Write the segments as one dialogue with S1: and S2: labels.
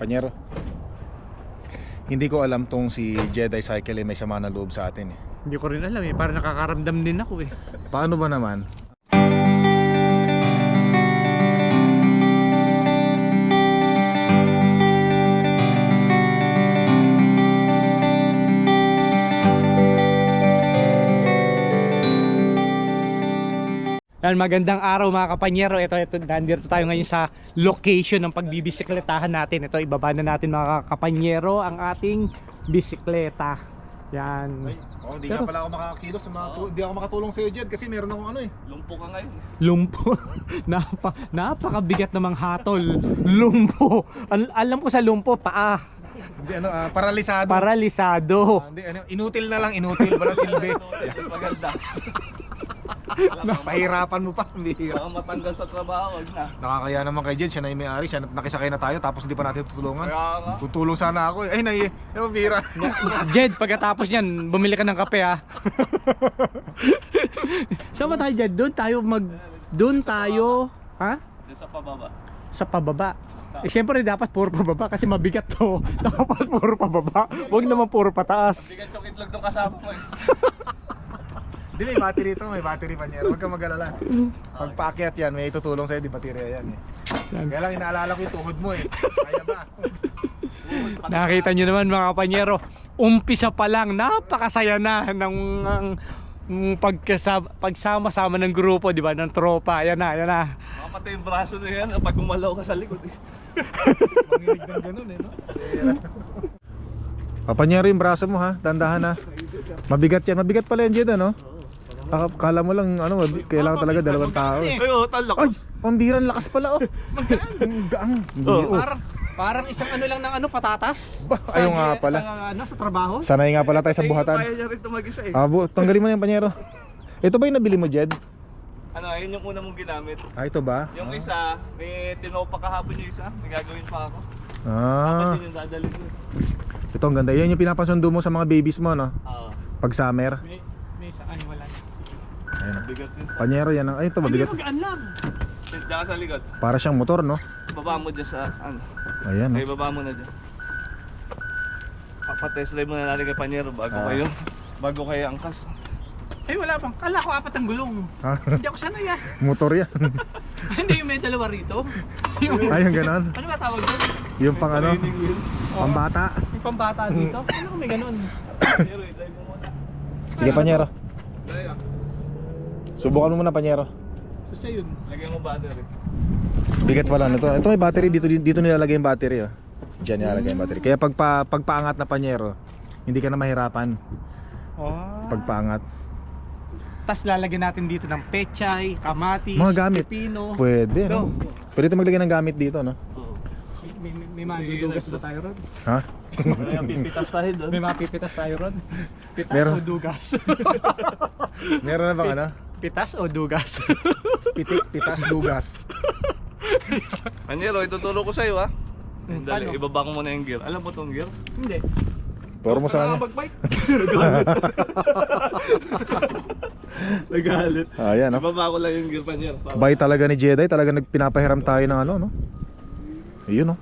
S1: Panyero, hindi ko alam tong si Jedi Cycle may sama ng loob sa atin eh.
S2: Hindi ko rin alam eh, parang nakakaramdam din ako eh.
S1: Paano ba naman?
S2: Yan, magandang araw mga kapanyero. Ito, nandito tayo ngayon sa location ng pagbibisikletahan natin. Ito, ibaba na natin mga kapanyero ang ating bisikleta. Yan.
S1: Ay, hindi nga pala ako makakakilos, hindi ako makatulong sa iyo Jed kasi meron akong ano eh.
S3: Lumpo ka ngayon.
S2: Lumpo. Napakabigat namang hatol. Lumpo. Alam ko sa lumpo, paa.
S1: Hindi paralisado.
S2: Paralisado.
S1: Hindi inutil na lang, inutil walang silbi.
S3: Maganda.
S1: Pahirapan mo pa, bihira.
S3: Baka matanggal sa trabaho, wag na.
S1: Nakakaya naman kay Jed, siya na yung may-ari, siya nakisakay na tayo tapos hindi pa natin tutulungan.
S3: Kaya nga.
S1: Tutulong sana ako eh. Ay, bihira.
S2: Jed, pagkatapos niyan, bumili ka ng kape ha. Saan ba tayo Jed? Doon tayo, ha?
S3: Doon sa pababa.
S2: Sa pababa. Eh syempre dapat puro pababa kasi mabigat to. Dapat puro pababa. Huwag naman puro pataas.
S3: Bigat yung itlog ng kasama mo eh.
S1: Hindi, may battery ito, may battery Panyero. Huwag kang mag-alala. Pag paakyat yan, may tutulong sa'yo, di baterya yan eh. Kaya lang inaalala ko yung tuhod mo eh. Kaya ba?
S2: Nakita nyo naman mga kapanyero, umpisa pa lang, napakasaya na ng pagsama-sama ng grupo, di ba, ng tropa. Yan na.
S3: Makamatay yung braso na yan pag gumalaw ka sa likod eh.
S1: Manginig ng ganun eh, no? Papanyero yung braso mo ha, dandahan na. Mabigat yan, mabigat pala yan Jed ano? Kala mo lang kailangan talaga dalawang tao.
S3: Ay, talak.
S1: Ay, pambiran lakas pala oh. Gaang.
S2: Parang isang lang ng patatas.
S1: Ayaw nga pala.
S2: Sa trabaho.
S1: Sanay nga pala tayo sa buhatan.
S3: Kaya niya rin tumag-isa eh.
S1: Tanggalin mo na yung Panyero. Ito ba yung nabili mo Jed?
S3: Yun yung una mong ginamit.
S1: Ito ba?
S3: Yung isa, may tinopa kahapon yung isa. May gagawin pa ako.
S1: Ah.
S3: Dapat yun yung dadalhin ko.
S1: Ito ang ganda. Yan yung pinapasundo mo sa mga babies mo no?
S3: Oo.
S1: Pag summer.
S2: May saan wala.
S1: Ayun.
S3: Bigat yun.
S1: Panyero yan. Ay ito mabigat.
S2: Magaan lang.
S3: Diyan ka sa likod.
S1: Para siyang motor no?
S3: Baba mo dyan sa
S1: Ayan
S3: Ay,
S1: no?
S3: baba mo na dyan. Papatest drive muna natin kay Panyero bago kayo angkas.
S2: Ay wala pang. Kala ko apat ang gulong.
S1: Ha?
S2: Hindi ako sanay ah.
S1: Motor yan.
S2: Hindi yung may dalawa rito.
S1: Ay yung ganon.
S2: Ano ba tawag doon?
S1: Yung pang pambata.
S2: May pambata dito. Ano ko may ganun?
S3: Panyero, drive mo muna.
S1: Sige Panyero.
S3: Drive ah.
S1: Subukan mo muna Panyero.
S2: So siya yun.
S3: Lagyan mo battery.
S1: Bigat pala nito. Ito may battery dito nilalagay yung battery oh. Diyan nilalagay yung battery. Kaya pagpaangat na Panyero, hindi ka na mahirapan pagpaangat.
S2: Tapos lalagyan natin dito ng pechay, kamatis,
S1: Mga gamit.
S2: pepino.
S1: Pwede
S2: Ito.
S1: no? Pwede ito maglagay ng gamit dito no?
S3: Oo.
S2: May madudugas ba tayo ron?
S1: Ha?
S3: Kaya pipitas tayo doon.
S2: May mapipitas tayo ron? Pitas
S1: Meron.
S2: o dugas?
S1: Meron na bang ano?
S2: Pitas o dugas?
S1: Pitas, dugas.
S3: Panyero, ituturo ko sa'yo ha. Dali,
S2: Paano?
S3: ibaba ko muna yung gear. Alam mo tong gear?
S2: Hindi.
S1: Turo mo sa kanya.
S3: Nakakapag-bike. Nagalit.
S1: Ayan no?
S3: Ibaba ko lang yung gear, Panyero.
S1: Bay talaga ni Jedi, talaga nagpinapahiram tayo ng ano no? Ayun no?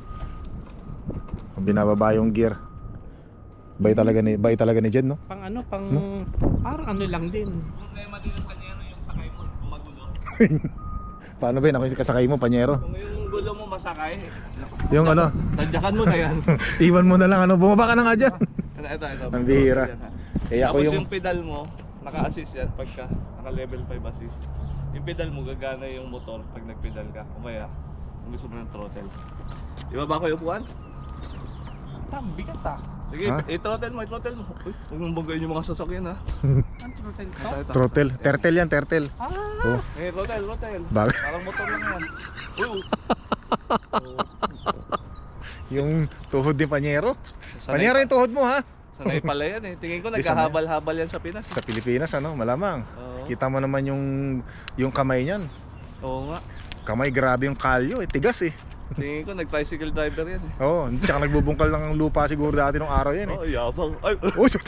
S1: Binababa yung gear. Bay talaga ni Jed no?
S2: Pang ano, parang ano lang din.
S3: Problema din ng Panyero yung sakay mo kung magulo.
S1: Paano ba yun? Ako yung kasakay mo, Panyero.
S3: Kung yung gulo mo masakay,
S1: Yung ano,
S3: tadyakan mo na yan.
S1: iwan mo na lang ano, bumaba ka na nga dyan.
S3: Ito.
S1: Ang bihira. Eh ako
S3: Tapos
S1: yung
S3: yung pedal mo, naka-assist yan pagka naka-level 5 assist. Yung pedal mo, gagana yung motor pag nag-pedal ka. Kumaya, kung gusto mo ng throttle. Ibaba ko yung upuan?
S2: Bigat ah.
S3: Sige,
S1: Ha?
S3: i-throttle mo. Uy, huwag mong banggayin yung mga sasakyan ha.
S2: Ang throttle to?
S3: Ito.
S1: throttle. Turtle yan, turtle. Oh,
S3: Throttle.
S1: bakit?
S3: Parang motor lang yan. Uy,
S1: Yung tuhod ni Panyero.
S3: sanay,
S1: Panyero yung tuhod mo ha.
S3: sanay pala yan eh. Tingin ko
S1: Di,
S3: nagkahabal-habal yan sa Pinas.
S1: Sa Pilipinas ano, malamang.
S3: Oo.
S1: Kita mo naman yung kamay niyan.
S3: Oo nga.
S1: Kamay grabe yung kalyo, tigas eh.
S3: Tingin ko nag-tricycle driver yan eh.
S1: Oo, tsaka nagbubungkal ng lupa siguro dati nung araw yan eh.
S3: Oo, yabang. Ay,
S1: Oh, shoot.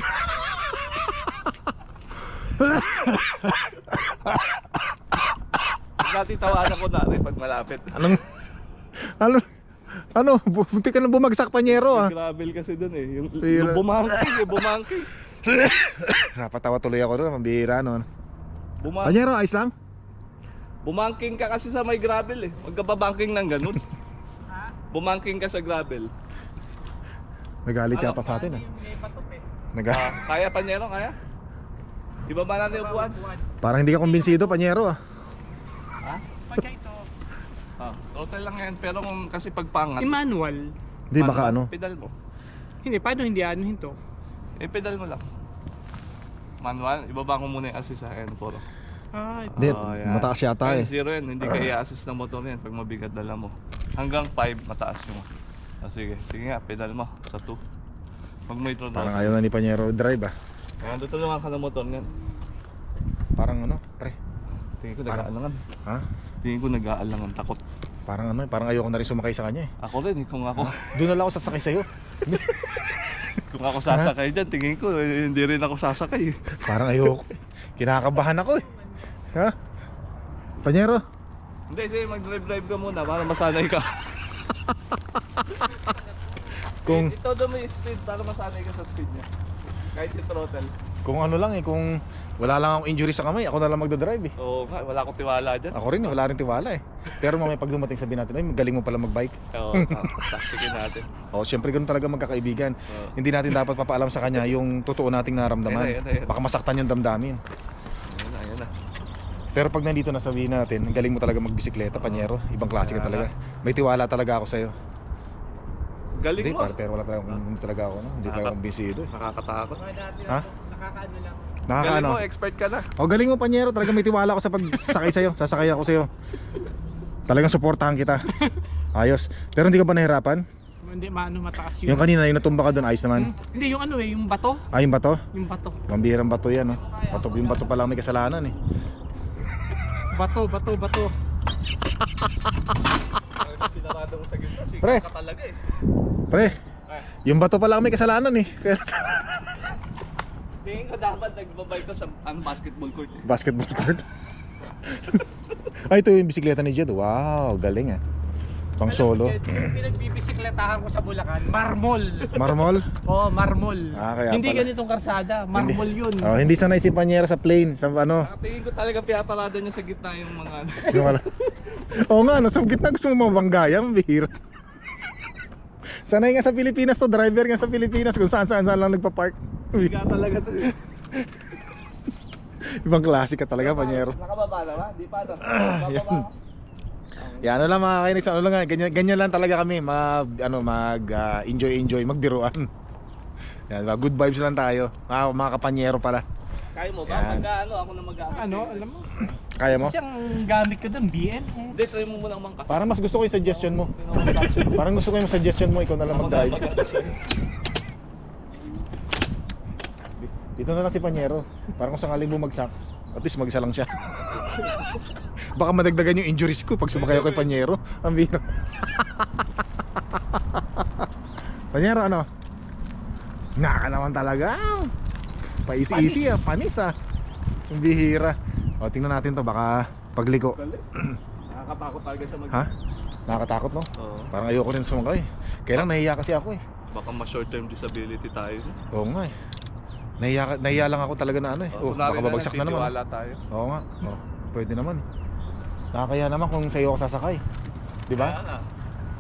S3: dati tawanan ko dati pag malapit.
S1: Anong Ano, bunti ka na bumagsak, Panyero ah.
S3: May gravel kasi dun eh. Yung
S1: Pira.
S3: bumangking.
S1: Napatawa tuloy ako doon, mambihira noon.
S3: Bumangking.
S1: Panyero, ayos lang?
S3: Bumangking ka kasi sa may gravel eh. Huwag ka babangking ng ganun. Bumangking ka sa gravel.
S1: Nagalit siya pa sa atin ah.
S3: Kaya Panyero, kaya? Ibaba natin yung upuan.
S1: Parang hindi ka kumbinsido, Panyero ah.
S3: Ha?
S2: Pagka ito,
S3: Total lang yan. Pero kung kasi pagpangat.
S2: manual.
S1: Hindi, baka ano.
S3: Pedal mo.
S2: Hindi, paano hindi anuhin to?
S3: Pedal mo lang. Manual. Ibaba ko muna yung assist sa N4.
S1: Hindi,
S3: yan.
S1: mataas yata eh.
S3: 0 yan. Hindi ka i-assist ng motor yan pag mabigat dala mo. Hanggang 5 mataas yung. Sige. Sige nga, pedal mo. Sa 2. Pag may throttle.
S1: Parang ayaw na ni Panyero drive ah.
S3: Ayan, tutulungan ka ng motor niyan.
S1: Parang ano, pre.
S3: Tingin ko
S1: Parang-
S3: nag-aalangan.
S1: Ha?
S3: Tingin ko nag-aalangan. Takot.
S1: Parang ano, parang ayoko na rin sumakay sa kanya eh.
S3: Ako rin, kung ako.
S1: Doon na lang ako sasakay sa'yo.
S3: Kung ako sasakay dyan, tingin ko hindi rin ako sasakay.
S1: Parang ayoko eh. Kinakabahan ako eh. Ha? Panyero?
S3: Hindi, mag-drive ka muna para masanay ka.
S1: Kung
S3: Ito daw may speed para masanay ka sa speed niya. Kahit yung throttle.
S1: kung ano lang eh, kung wala lang akong injury sa kamay, ako na lang magdadrive eh.
S3: Oo nga, wala akong tiwala dyan.
S1: Ako rin, wala rin tiwala eh. Pero mamaya pag dumating sabihin natin, ay magaling mo pala magbike.
S3: Oo, plastikin natin.
S1: O, syempre ganun talaga magkakaibigan.
S3: Oo.
S1: Hindi natin dapat papaalam sa kanya yung totoo nating naramdaman.
S3: Ayun na.
S1: Baka masaktan yung damdamin.
S3: Ayan na.
S1: Pero pag nandito na sabihin natin, ang galing mo talaga magbisikleta, Panyero. Ibang klase ka talaga. May tiwala talaga ako sa'yo.
S3: Galing
S1: Hindi,
S3: mo.
S1: pero wala talaga, hindi talaga ako, no? Hindi talaga akong bisido eh.
S3: Nakakatakot.
S1: Ha?
S2: Nakakaano lang.
S3: Galing
S1: Nakakaano?
S3: mo, expert ka na.
S1: O galing mo, Panyero. Talaga may tiwala ako sa pagsasakay sa'yo. Sasakay ako sa'yo. Talagang suportahan kita. Ayos. Pero hindi ka ba nahirapan?
S2: Hindi, mataas
S1: Yung kanina, yung natumba ka doon, ayos naman.
S2: Hindi, yung ano eh, yung bato.
S1: Ay, yung bato?
S2: Yung bato.
S1: Mambihirang bato yan, no? Yung bato pa lang may kasalanan eh.
S2: Bato.
S3: Sinarado mo sa gitna.
S1: Pre.
S3: Sikat ka talaga eh.
S1: Pre, yung bato pa lang may kasalanan eh. Kaya
S3: Tingin ko dapat nagbabay ka sa basketball court eh.
S1: basketball court. Ay, ito yung bisikleta ni Jed. Wow, galing ah. Pang solo.
S2: Pinagbibisikletahan ko sa Bulacan, marmol.
S1: Marmol?
S2: Oo, marmol.
S1: Kaya
S2: Hindi
S1: pala.
S2: ganitong karsada, marmol yun.
S1: Oh, hindi sanay si Panyero sa plane, sa ano.
S3: Tingin ko talaga piyaparada niya sa gitna yung mga
S1: Yung wala. Oo nga, no, sa gitna gusto mo mabanggaya, bihira. Sanay nga sa Pilipinas to, driver nga sa Pilipinas kung saan lang nagpa-park.
S3: Biga talaga to eh.
S1: Ibang klase ka talaga, Panyero.
S3: Nakababa na ba? Di pa na. Bababa.
S1: Yan, ano lang mga kainis, ano lang, ganyan lang talaga kami, enjoy, magbiruan. Yan, good vibes lang tayo, mga kapanyero pala.
S3: Kaya mo ba?
S1: Yan.
S3: Ako na mag-aaral.
S2: Ano, alam mo?
S1: Kaya mo?
S2: Kasi ang gamit ko doon, BM.
S3: Hindi, try mo muna umangkas.
S1: Parang mas gusto ko yung suggestion mo. Parang gusto ko yung suggestion mo, ikaw na lang mag-drive. Dito na lang si Panyero. Parang kung sakaling bumagsak, at least mag-isa lang siya. Baka madagdagan yung injuries ko pag sumakay ako kay Panyero. Ang bihira. Panyero, ano? Naka naman talaga. Pa-easy, panis ah. Ang bihira. O, tingnan natin to, baka pagliko.
S3: Nakakatakot talaga siya mag-
S1: Ha? Nakakatakot, no?
S3: Oo.
S1: Parang ayoko rin sumakay. Kaya lang nahiya kasi ako eh.
S3: Baka ma-short term disability tayo.
S1: Oo nga eh. Nahiya lang ako talaga na ano eh. Oh, baka babagsak na naman.
S3: Wala tayo.
S1: Oo nga. Oh, pwede naman. Nakakaya naman kung sa'yo ako sasakay. Di ba?
S3: Kaya nga.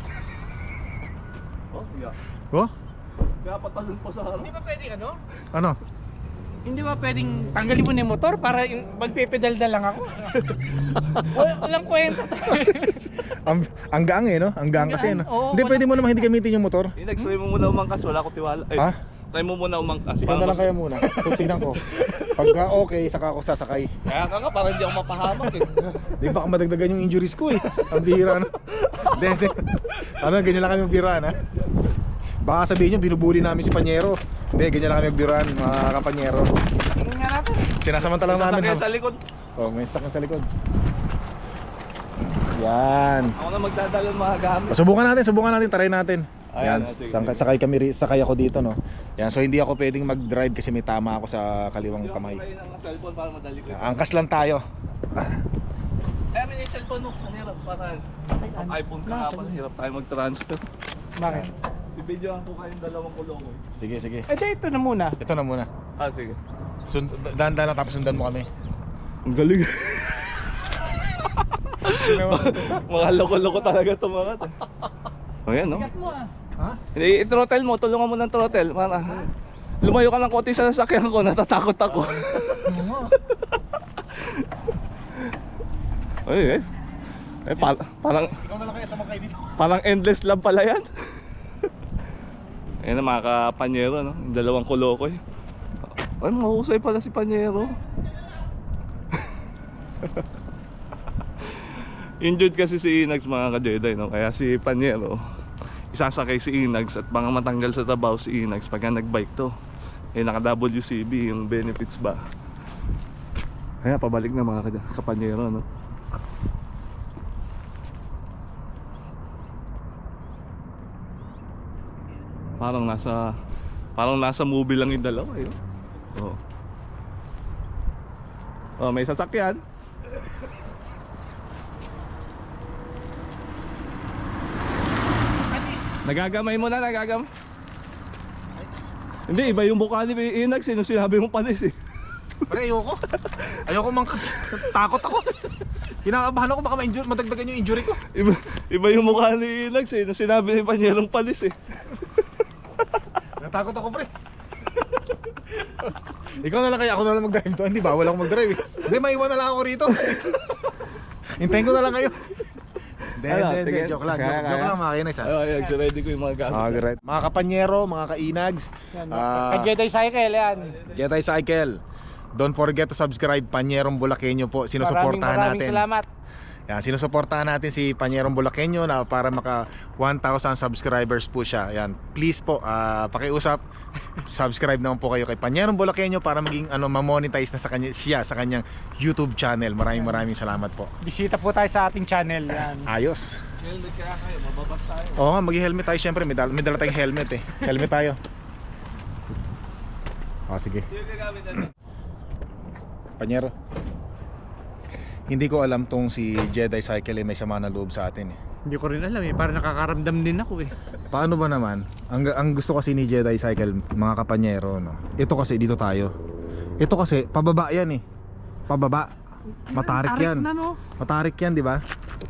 S3: Oh, yeah.
S1: Oh?
S3: Kaya patalon pa sa harap.
S2: Hindi ba pwedeng ano?
S1: Ano?
S2: Hindi ba pwedeng tanggalin mo na yung motor para magpipedal na lang ako? Walang kwenta to.
S1: Ang gaang eh, no? Ang gaang kasi, no?
S2: Oo,
S1: Hindi,
S2: wala-
S1: pwede mo naman hindi gamitin yung motor.
S3: Next, try mo muna umangkas. Wala ko tiwala. Ay,
S1: Ha?
S3: try mo muna umangkas.
S1: Ikaw na lang kaya muna. So, tignan ko. Pagka okay, saka ako sasakay.
S3: Kaya ka nga, parang hindi ako mapahamak eh.
S1: Di baka madagdagan yung injuries ko eh. Ang bihira na. Hindi. Ano, ganyan lang kami magbiruan ha. Baka sabihin nyo, binubuli namin si Panyero. Hindi, ganyan lang kami magbiruan, mga kapanyero.
S2: Tingnan nga natin.
S1: Sinasamantala namin
S3: Sasakyan sa likod.
S1: Oh, may sakyan sa likod. Yan.
S3: Ako na magdadalo ng mga gamit.
S1: Subukan natin, try natin.
S3: Ayan,
S1: Yan,
S3: sige,
S1: sakay ako dito, no. Yan, so hindi ako pwedeng mag-drive kasi may tama ako sa kaliwang kamay.
S3: Hindi ako ng cellphone para madali ko.
S1: Angkas lang tayo.
S3: Kaya may cellphone mo, hirap parang iPhone ka nga pala, hirap tayo mag-transfer.
S2: Bakit?
S3: Bibidyohan ko kayong dalawang kulokoy.
S1: Sige, sige.
S2: Eh, di, ito na muna.
S1: Ito na muna.
S3: Ah, sige.
S1: Dahan-dahan lang tapos sundan mo kami.
S3: Ang galing. Mga loko-loko talaga ito mga to. O yan, no?
S2: Ingat mo ah.
S1: Ha?
S3: Hindi, i-throttle mo, tulungan mo ng throttle. Para lumayo ka ng konti sa sasakyan ko, natatakot ako. Ay, parang
S1: Ikaw na lang kaya sumakay dito.
S3: parang endless love pala yan. Ayan na mga kapanyero, no? Yung dalawang kulokoy. Ay, mahusay pala si Panyero. Injured kasi si Inags mga ka-Jedi, no? Kaya si Panyero isasakay si Inags at baka matanggal sa trabaho si Inags pagka nagbike to. Eh naka-WCB yung benefits ba. Kaya pabalik na mga kapanyero, no? Parang nasa movie lang yung dalawa, eh. Oh. Oh, may sasakyan. Nagagamay mo na, nagagamay. Hindi, iba yung mukha ni Inags, sino sinabi mong panis eh.
S1: Pre, ayoko mangkas. Takot ako. Kinakabahan ako baka madagdagan yung injury ko.
S3: Iba yung mukha ni Inags, sino sinabi ni Panyerong panis eh.
S1: Natakot ako, pre. Ikaw na lang kaya ako na lang mag-drive to. Hindi, bawal ako mag-drive eh. Hindi, maiwan na lang ako rito. Hintayin ko na lang kayo. Hindi, joke lang. Joke lang mga kainis ha.
S3: Ay, ready ko yung mga gamit.
S1: Alright. Mga kapanyero, mga kainags,
S2: Yan, ka-Jedi Cycle, yan.
S1: Jedi Cycle. Don't forget to subscribe Panyerong Bulakenyo po. Sinusuportahan
S2: Maraming
S1: natin.
S2: salamat.
S1: Yan, sinusuportahan natin si Panyerong Bulakenyo na para maka 1,000 subscribers po siya. Yan, please po, pakiusap, subscribe naman po kayo kay Panyerong Bulakenyo para maging ma-monetize na sa kanyang YouTube channel. Maraming salamat po.
S2: Bisita po tayo sa ating channel, yan.
S1: Ayos.
S3: Helmet kaya kayo, mababas tayo.
S1: Oo nga, mag-helmet tayo syempre. May dala tayong helmet eh. Helmet tayo. Sige.
S3: Sino gagamit natin?
S1: Panyero, hindi ko alam tong si Jedi Cycle may sama na loob sa atin eh.
S2: Hindi ko rin alam eh, parang nakakaramdam din ako eh.
S1: Paano ba naman? Ang gusto kasi ni Jedi Cycle, mga kapanyero, no? Ito kasi dito tayo. Ito kasi pababa yan eh. Pababa. Matarik yan.
S2: Na, no?
S1: Matarik yan, di ba?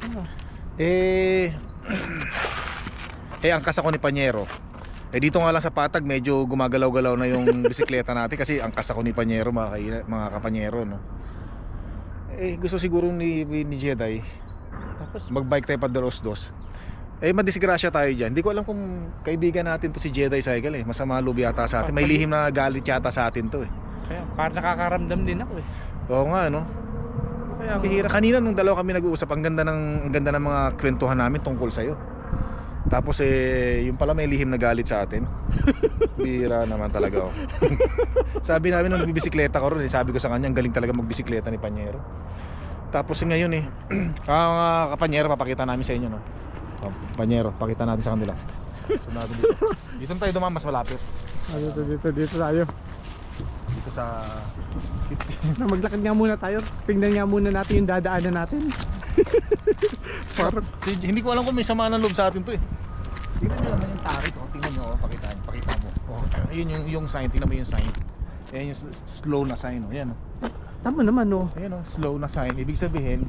S1: Angkas ako ni Panyero. Dito nga lang sa Patag medyo gumagalaw-galaw na yung bisikleta natin kasi angkas ako ni Panyero, mga kapanyero, no? Gusto siguro ni Jedi
S2: Tapos
S1: magbike tayo pa dos. Madisgrasya tayo dyan. Hindi ko alam kung kaibigan natin to si Jedi Cycle eh. Masama loob yata sa atin. May lihim na galit yata sa atin to eh.
S2: kaya, parang nakakaramdam din ako eh.
S1: Oo nga, no?
S2: Kaya,
S1: Bihira. Kanina nung dalawa kami nag-uusap, ang ganda ng mga kwentuhan namin tungkol sa'yo. Tapos yung pala may lihim na galit sa atin. Bihira naman talaga, oh. Sabi namin nung nagbibisikleta ko ron, sabi ko sa kanya, ang galing talaga magbisikleta ni Panyero. Tapos ngayon Kapanyero, papakita namin sa inyo, no? Panyero, pakita natin sa kanila. Sunado dito. Dito tayo dumaan, mas malapit.
S2: Dito tayo.
S1: Dito sa
S2: Maglakad nga muna tayo. Tingnan nga muna natin yung dadaanan natin. Parang
S1: hindi ko alam kung may sama ng loob sa atin to eh. Tingnan nyo naman yung tarik, oh. Tingnan nyo, pakita mo. Ayun yung sign, tingnan mo yung sign. Ayan yung slow na sign, oh. Ayan, oh.
S2: tama naman, no?
S1: Ayan, oh, slow na sign. Ibig sabihin,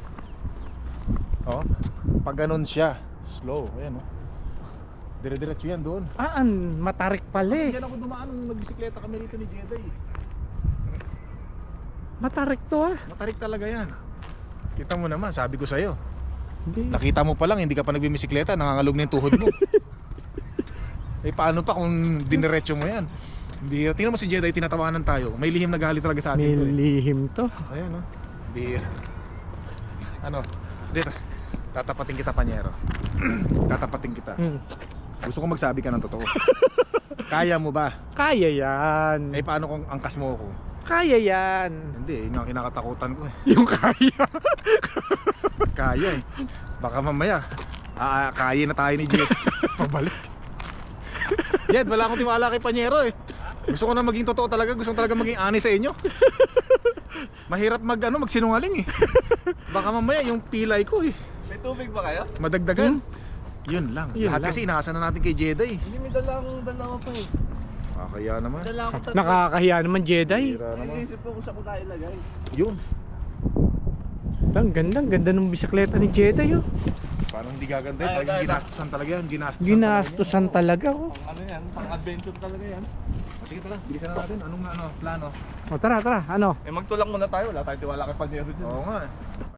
S1: pag ganun siya, slow. Ayan, oh. Dire-diretso yan doon.
S2: Matarik pala eh.
S1: Diyan ako dumaan nung nagbisikleta kami rito ni Jedi.
S2: Matarik to ah.
S1: Matarik talaga yan. Kita mo naman, sabi ko sa'yo.
S2: Hindi.
S1: Nakita mo pa lang, hindi ka pa nagbibisikleta, nangangalog na yung tuhod mo. Paano pa kung diniretso mo yan? Tingnan mo si Jedi, tinatawanan tayo. May lihim na galit talaga sa atin.
S2: May
S1: to, eh.
S2: lihim to.
S1: Ayan, oh. Dito. Tatapatin kita, Panyero. Tatapatin kita. Gusto ko magsabi ka ng totoo. Kaya mo ba?
S2: Kaya yan.
S1: Paano kung angkas mo ako?
S2: Kaya yan.
S1: Hindi, yun ang kinakatakutan ko eh.
S2: Yung kaya.
S1: Kaya eh. Baka mamaya kaya na tayo ni Jed. Pabalik. Jed, wala akong tiwala kay Panyero eh. Gusto ko na maging totoo talaga. Gusto ko talaga maging honest sa inyo. Mahirap magsinungaling eh. Baka mamaya yung pilay ko eh.
S3: May tubig ba kayo?
S1: Madagdagan. Yun lang.
S2: Yun
S1: Lahat
S2: lang.
S1: kasi inaasan na natin kay Jedi.
S3: Hindi, may dalawang dalawa pa eh.
S1: Kaya naman.
S3: Dala ko tatlo.
S2: Nakakahiya naman Jedi.
S1: Bira naman.
S3: Naisip ko kung saan ko tayo ilagay.
S1: Yun.
S2: Ang ganda ng bisikleta ni Jedi oh.
S1: Parang hindi gaganda yun.
S3: Ay,
S1: Parang
S3: ay,
S1: ginastusan talaga yan.
S2: Ginastusan talaga oh.
S3: Ano yan? Pang adventure talaga yan.
S1: Sige tara, bilisan na natin. Anong plano?
S2: O tara, ano?
S3: Eh magtulak muna tayo. Wala tayong tiwala kay Panyero dyan.
S1: Oo nga eh.